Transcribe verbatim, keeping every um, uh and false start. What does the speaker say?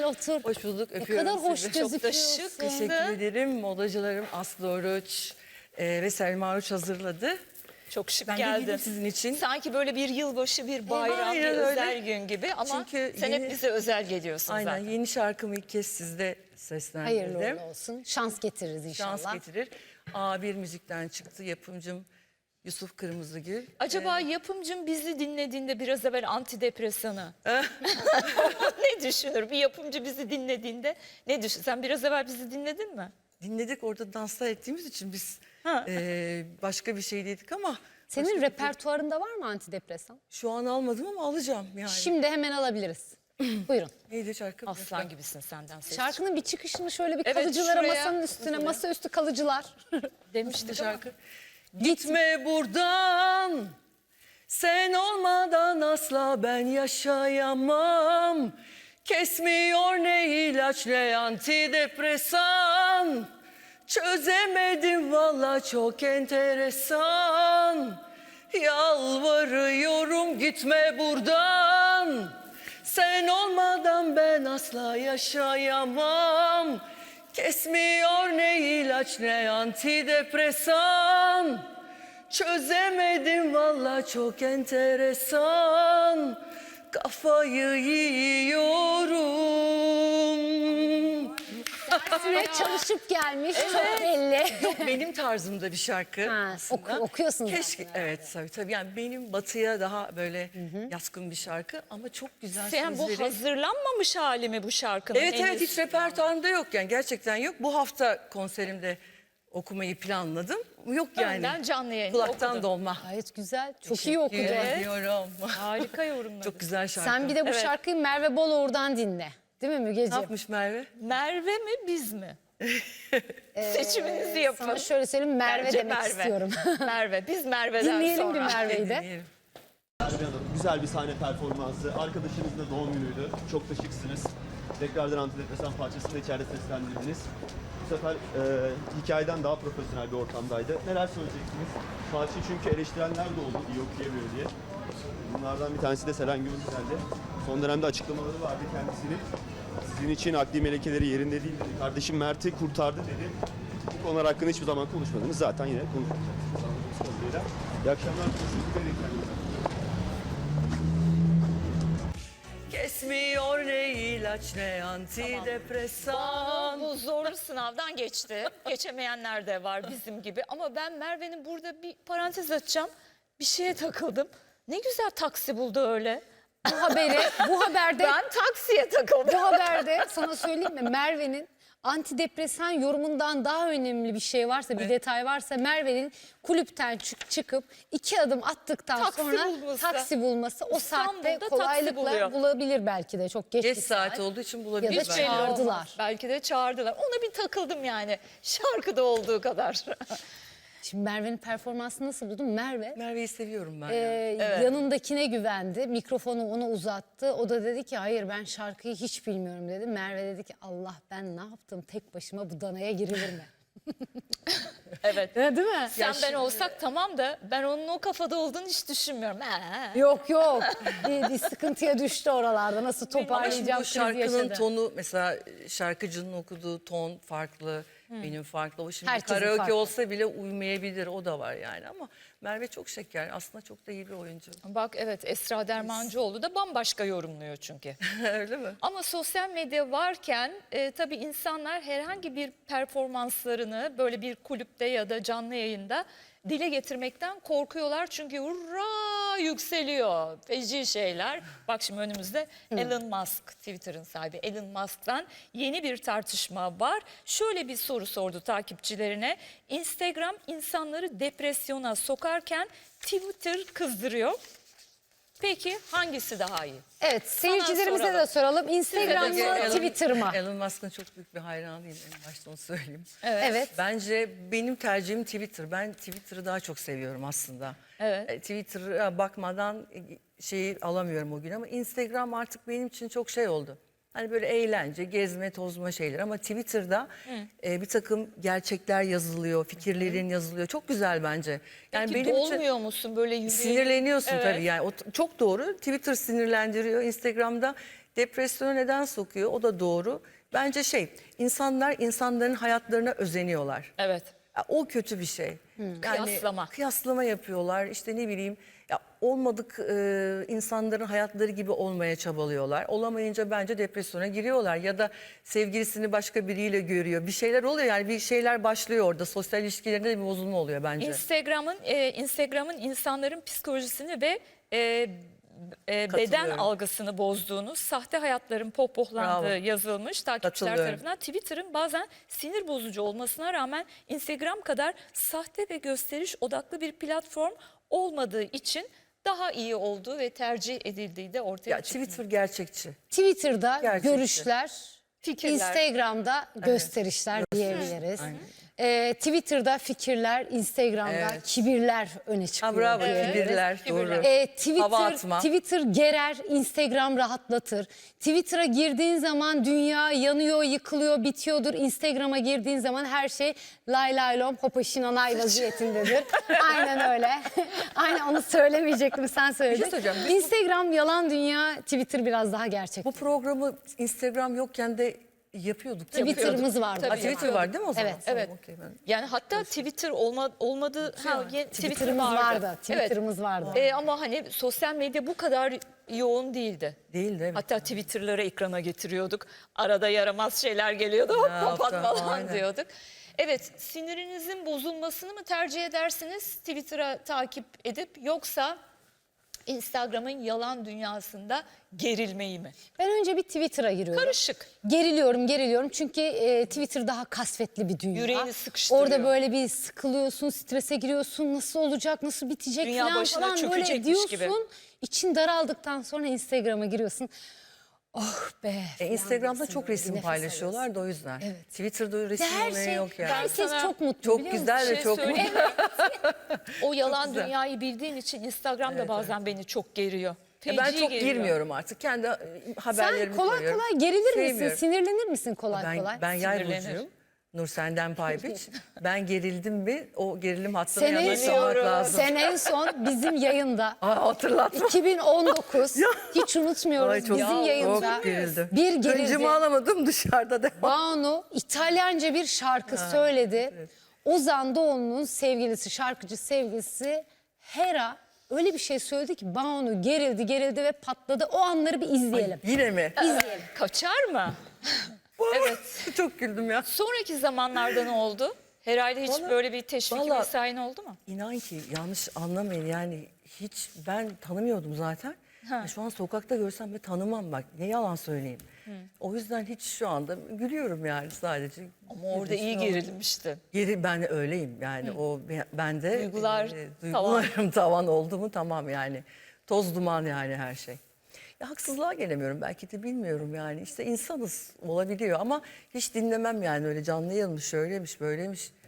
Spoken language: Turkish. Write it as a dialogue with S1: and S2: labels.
S1: otur.
S2: Hoş bulduk.
S1: Ne
S2: Öpüyorum
S1: kadar hoş
S2: sizi.
S1: gözüküyorsun.
S2: Çok da şık. Teşekkür ederim. Modacılarım Aslı Oruç e, ve Selma Oruç hazırladı.
S3: Çok şık
S2: Ben de
S3: geldin.
S2: giydim sizin için.
S3: Sanki böyle bir yılbaşı, bir bayram,
S2: aynen
S3: bir
S2: öyle.
S3: özel gün gibi ama
S2: Çünkü
S3: sen
S2: yeni-
S3: hep bize özel geliyorsun
S2: Aynen
S3: zaten.
S2: yeni şarkımı ilk kez sizde seslendirdim.
S1: Hayırlı uğurlu olsun. Şans getiririz inşallah.
S2: Şans getirir. A bir müzikten çıktı. Yapımcım Yusuf Kırmızıgül.
S3: Acaba yapımcım bizi dinlediğinde biraz evvel antidepresanı ne düşünür? Bir yapımcı bizi dinlediğinde ne düşün? Sen biraz evvel bizi dinledin mi?
S2: Dinledik, orada danslar ettiğimiz için biz
S3: Ha.
S2: e, başka bir şey dedik ama
S1: Senin
S2: başka bir-
S1: repertuarında var mı antidepresan?
S2: şu an almadım ama alacağım yani.
S1: Şimdi hemen alabiliriz. Buyurun.
S2: Neydi şarkı?
S3: Aslan gibisin senden ses.
S1: Şarkının bir çıkışını şöyle bir
S3: Evet,
S1: kalıcılara
S3: şuraya,
S1: masanın üstüne,
S3: şuraya.
S1: masaüstü kalıcılar.
S3: demiştik ama.
S2: şarkı. Gitme buradan, sen olmadan asla ben yaşayamam. Kesmiyor ne ilaç ne antidepresan. Çözemedim valla, çok enteresan. Yalvarıyorum gitme buradan. Sen olmadan ben asla yaşayamam. Kesmiyor ne ilaç ne antidepresan. Çözemedim valla, çok enteresan. Kafayı yiyorum.
S1: Süre çalışıp gelmiş çok belli.
S2: Benim tarzımda bir şarkı
S1: Ha,
S2: aslında.
S1: oku- okuyorsun
S2: Keşke,
S1: zaten.
S2: evet tabii tabii. Yani benim batıya daha böyle yaskın bir şarkı ama çok güzel
S3: Sen bu
S2: sözleri.
S3: hazırlanmamış hali mi bu şarkının?
S2: Evet evet,
S3: henüz?
S2: hiç repertuarımda yok yani, gerçekten yok. Bu hafta konserimde okumayı planladım. Yok yani.
S3: Önden canlı yayında
S2: Kulaktan
S3: okudun.
S2: dolma.
S1: Gayet güzel. Çok iyi okudu.
S2: Teşekkür
S3: Evet.
S2: ediyorum.
S3: Harika yorumladın.
S2: Çok güzel şarkı.
S1: Sen bir de bu
S3: Evet.
S1: şarkıyı Merve Boluğur'dan dinle. Değil mi
S2: Ne
S1: Mügeciğim?
S2: yapmış Merve?
S3: Merve mi biz mi? Seçiminizi yapın.
S1: Sana şöyle söyleyeyim, Merve
S3: Bence
S1: demek istiyorum.
S3: Merve. Biz Merve'den
S1: Dinleyelim
S3: sonra.
S1: bir Merve'yi de.
S2: Dinleyelim.
S4: Merve Hanım, güzel bir sahne performansı. Arkadaşınızın da doğum günüydü. Çok da şıksınız. Tekrardan antidepresan parçasını da içeride seslendirdiniz. Bu sefer e, hikayeden daha profesyonel bir ortamdaydı. Neler söyleyeceksiniz? Parçayı çünkü eleştirenler de oldu, iyi okuyamıyor diye. Bunlardan bir tanesi de Selen Gümüşsel'di. Son dönemde açıklamaları vardı kendisinin. Sizin için akli melekeleri yerinde değil dedi. Kardeşim Mert'i kurtardı dedi. Bu konular hakkında hiçbir zaman konuşmadınız. Zaten yine konuşmayacaksınız. anladığımız kadarıyla. İyi akşamlar. Teşekkür ederim kendinize.
S2: Kesmiyor ne ilaç ne antidepresan.
S3: Bu zorlu sınavdan geçti. Geçemeyenler de var bizim gibi. Ama ben Merve'nin burada bir parantez açacağım. Bir şeye takıldım. Ne güzel taksi buldu öyle.
S1: Bu haberi, bu haberde,
S3: Ben taksiye takıldım.
S1: bu haberde sana söyleyeyim mi? Merve'nin antidepresan yorumundan daha önemli bir şey varsa, bir detay varsa Merve'nin kulüpten çık- çıkıp iki adım attıktan
S3: Taksi
S1: sonra
S3: bulması.
S1: taksi bulması o
S3: İstanbul'da
S1: saatte
S3: taksi
S1: kolaylıkla
S3: buluyor.
S1: bulabilir belki de, çok geç,
S2: Geç
S1: bir
S2: saat olduğu için
S1: Ya
S2: bulabilir
S1: da
S2: belki.
S3: Belli olmaz.
S1: çağırdılar.
S3: Belki de çağırdılar. Ona bir takıldım yani. Şarkıda olduğu kadar.
S1: Şimdi Merve'nin performansını nasıl buldun? Merve
S2: Merve'yi seviyorum ben.
S1: e,
S2: ya.
S1: yanındakine güvendi, mikrofonu ona uzattı. O da dedi ki hayır, ben şarkıyı hiç bilmiyorum dedi. Merve dedi ki Allah, ben ne yaptım tek başıma, bu danaya girilir mi?
S3: Evet.
S1: Ya, değil mi?
S3: Sen ben olsak tamam da ben onun o kafada olduğunu hiç düşünmüyorum. Ee.
S1: Yok yok, bir, bir sıkıntıya düştü oralarda, nasıl
S2: Ama şimdi
S1: toparlayacağım
S2: bu
S1: krizi
S2: şarkının
S1: yaşadı.
S2: tonu, mesela şarkıcının okuduğu ton farklı, benim farklı. O şimdi
S1: Herkesin
S2: karaoke
S1: farklı.
S2: olsa bile uymayabilir, o da var yani. Ama Merve çok şeker, aslında çok da iyi bir oyuncu.
S3: Bak evet, Esra Dermancıoğlu da bambaşka yorumluyor çünkü.
S2: Öyle mi?
S3: Ama sosyal medya varken e, tabii insanlar herhangi bir performanslarını böyle bir kulüpte ya da canlı yayında dile getirmekten korkuyorlar. Çünkü hurra yükseliyor, feci şeyler. Bak şimdi önümüzde Elon Musk, Twitter'ın sahibi Elon Musk'tan yeni bir tartışma var. Şöyle bir soru sordu takipçilerine. Instagram insanları depresyona sokarken Twitter kızdırıyor. Peki hangisi daha iyi?
S1: Evet, seyircilerimize
S3: soralım.
S1: de soralım. Instagram mı,
S2: Elon-
S1: Twitter mı?
S2: Elon Musk'ın çok büyük bir hayranıyım, en başta onu söyleyeyim.
S1: Evet.
S2: Bence benim tercihim Twitter. Ben Twitter'ı daha çok seviyorum aslında.
S3: Evet.
S2: E, Twitter'a bakmadan e, şeyi alamıyorum o gün, ama Instagram artık benim için çok şey oldu. Hani böyle eğlence, gezme, tozma şeyler, ama Twitter'da e, bir takım gerçekler yazılıyor, fikirlerin yazılıyor. Çok güzel bence. Yani
S3: Peki
S2: benim için
S3: dolmuyor musun böyle yüreğin?
S2: sinirleniyorsun
S3: Evet.
S2: tabii yani. O t- çok doğru. Twitter sinirlendiriyor. Instagram'da Depresyona neden sokuyor? O da doğru. Bence şey, insanlar insanların hayatlarına özeniyorlar.
S3: Evet.
S2: Ya o kötü bir şey. Yani
S3: Kıyaslama.
S2: Kıyaslama yapıyorlar. İşte ne bileyim, ya olmadık e, insanların hayatları gibi olmaya çabalıyorlar. Olamayınca bence depresyona giriyorlar ya da sevgilisini başka biriyle görüyor. Bir şeyler oluyor, yani bir şeyler başlıyor orada. Sosyal ilişkilerinde de bir bozulma oluyor bence.
S3: Instagram'ın e, Instagram'ın insanların psikolojisini ve e, e, beden
S2: Katılıyorum.
S3: algısını bozduğunu, sahte hayatların pohpohlandığı
S2: Bravo.
S3: yazılmış takipçiler
S2: Katılıyorum.
S3: tarafından. Twitter'ın bazen sinir bozucu olmasına rağmen Instagram kadar sahte ve gösteriş odaklı bir platform olmadığı için daha iyi olduğu ve tercih edildiği de ortaya
S2: Ya
S3: çıkıyor.
S2: Twitter gerçekçi.
S1: Twitter'da
S2: Gerçekçi.
S1: görüşler,
S3: Fikirler.
S1: Instagram'da gösterişler diyebiliriz. Ee, Twitter'da fikirler, Instagram'da
S2: Evet.
S1: kibirler öne çıkıyor.
S2: Ha bravo,
S1: diyebiliriz.
S2: kibirler,
S3: Kibirler.
S2: doğru.
S1: Ee,
S2: Hava
S1: Twitter,
S2: atma.
S1: Twitter gerer, Instagram rahatlatır. Twitter'a girdiğin zaman dünya yanıyor, yıkılıyor, bitiyordur. Instagram'a girdiğin zaman her şey lay lay lom, hopaşinanay vaziyetindedir. Aynen öyle. Aynen, onu söylemeyecektim, sen söyledin.
S2: şey söyleyeceğim.
S1: Instagram yalan dünya, Twitter biraz daha gerçek.
S2: Bu programı Instagram yokken de yapıyorduk. değil mi?
S1: Twitter'ımız vardı.
S3: Tabii.
S2: Ha, Twitter var değil mi o zaman?
S1: Evet.
S2: Tamam,
S3: Evet.
S2: okey, ben-
S3: Yani hatta Twitter olma, olmadı. Ha, ye-
S1: Twitter'ımız vardı. Twitter'ımız vardı.
S3: Ee, ama hani sosyal medya bu kadar yoğun değildi.
S2: Değildi, evet.
S3: Hatta Twitter'ları ekrana getiriyorduk. Arada yaramaz şeyler geliyordu. Hop
S2: Ya,
S3: kapat
S2: hatta,
S3: falan
S2: aynen.
S3: diyorduk. Evet, sinirinizin bozulmasını mı tercih edersiniz Twitter'a takip edip, yoksa Instagram'ın yalan dünyasında gerilmeyi mi?
S1: Ben önce bir Twitter'a giriyorum.
S3: Karışık.
S1: Geriliyorum, geriliyorum çünkü e, Twitter daha kasvetli bir dünya.
S3: Yüreğini sıkıştırıyor.
S1: Orada böyle bir sıkılıyorsun, strese giriyorsun, nasıl olacak, nasıl bitecek
S3: Dünya
S1: falan
S3: başına
S1: falan böyle
S3: çökecekmiş
S1: diyorsun.
S3: gibi.
S1: İçin daraldıktan sonra Instagram'a giriyorsun. Oh be.
S2: E,
S1: falan
S2: Instagram'da
S1: diyorsun
S2: çok
S1: böyle,
S2: resim
S1: nefes
S2: paylaşıyorlar da o yüzden.
S1: Evet.
S2: Twitter'da öyle resim
S1: Her
S2: olayı
S1: şey,
S2: yok yani.
S1: herkes
S3: sana
S1: çok mutlu,
S2: Çok
S1: biliyor
S2: güzel
S1: musun?
S2: ve çok
S3: söyleyeyim
S2: mutlu.
S3: mi? O yalan
S2: güzel.
S3: dünyayı bildiğin için Instagram da bazen beni çok geriyor.
S2: Ya ben
S3: Feci
S2: çok
S3: geriyor.
S2: girmiyorum artık. Kendi e, haberlerimi
S1: Sen kolay
S2: koyuyorum.
S1: kolay gerilir misin,
S2: Sevmiyorum.
S1: sinirlenir misin kolay
S2: Ben,
S1: kolay?
S2: ben yay
S3: Sinirlenir.
S2: burcuyum. Nur senden pay biç. Ben gerildim mi o gerilim hattına
S1: Sen en,
S2: yanaşmamak
S1: son,
S2: lazım.
S1: sen en son bizim yayında
S2: Aa, hatırlatma.
S1: iki bin on dokuz hiç unutmuyoruz
S2: Ay, çok-
S1: bizim
S2: Ya,
S1: yayında
S2: çok gerildim.
S1: bir gerildi.
S2: Öncümü alamadım, dışarıda devam.
S1: Banu İtalyanca bir şarkı söyledi. Ozan Doğulu'nun sevgilisi, şarkıcı sevgilisi Hera öyle bir şey söyledi ki Banu gerildi gerildi ve patladı. O anları bir izleyelim.
S2: Yine mi?
S1: İzleyelim.
S3: Kaçar mı? Evet.
S2: Çok güldüm ya.
S3: Sonraki zamanlarda ne oldu? Herhalde hiç
S2: Vallahi-
S3: böyle bir teşvik
S2: vallahi-
S3: vesaire oldu mu?
S2: İnan ki yanlış anlamayın, yani hiç ben tanımıyordum zaten. Ya şu an sokakta görsem de tanımam, bak ne yalan söyleyeyim. O yüzden hiç şu anda gülüyorum yani sadece.
S3: Ama orada iyi gerilmişti.
S2: Geri ben öyleyim yani, o ben de
S3: Duygular
S2: e,
S3: tavan.
S2: duygularım tavan oldu mu tamam yani. Toz duman yani her şey. Ya haksızlığa gelemiyorum, belki de bilmiyorum yani, işte insanız, olabiliyor ama hiç dinlemem yani, öyle canlı yayılmış, şöyleymiş böyleymiş.